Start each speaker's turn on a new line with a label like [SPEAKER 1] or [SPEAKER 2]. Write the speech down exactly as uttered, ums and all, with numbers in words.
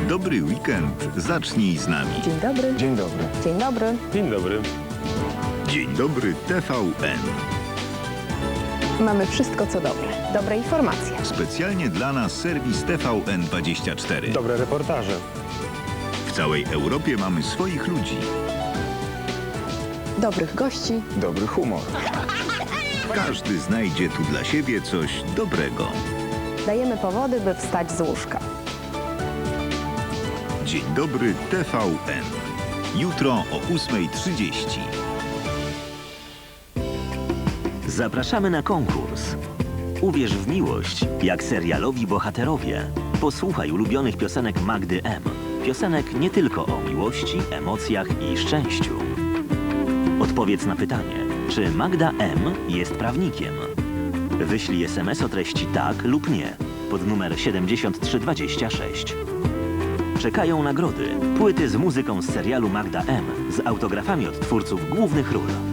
[SPEAKER 1] Dobry weekend. Zacznij z nami.
[SPEAKER 2] Dzień dobry.
[SPEAKER 3] Dzień dobry.
[SPEAKER 2] Dzień dobry.
[SPEAKER 3] Dzień dobry.
[SPEAKER 1] Dzień dobry T V N.
[SPEAKER 2] Mamy wszystko, co dobre. Dobre informacje.
[SPEAKER 1] Specjalnie dla nas serwis T V N dwadzieścia cztery.
[SPEAKER 3] Dobre reportaże.
[SPEAKER 1] W całej Europie mamy swoich ludzi.
[SPEAKER 2] Dobrych gości.
[SPEAKER 3] Dobry humor.
[SPEAKER 1] Każdy znajdzie tu dla siebie coś dobrego.
[SPEAKER 2] Dajemy powody, by wstać z łóżka.
[SPEAKER 1] Dzień dobry T V N. Jutro o ósmej trzydzieści.
[SPEAKER 4] Zapraszamy na konkurs. Uwierz w miłość, jak serialowi bohaterowie. Posłuchaj ulubionych piosenek Magdy M. Piosenek nie tylko o miłości, emocjach i szczęściu. Odpowiedz na pytanie, czy Magda M. jest prawnikiem? Wyślij es em es o treści tak lub nie pod numer siedemdziesiąt trzy dwadzieścia sześć. Czekają nagrody, płyty z muzyką z serialu Magda M. z autografami od twórców głównych ról.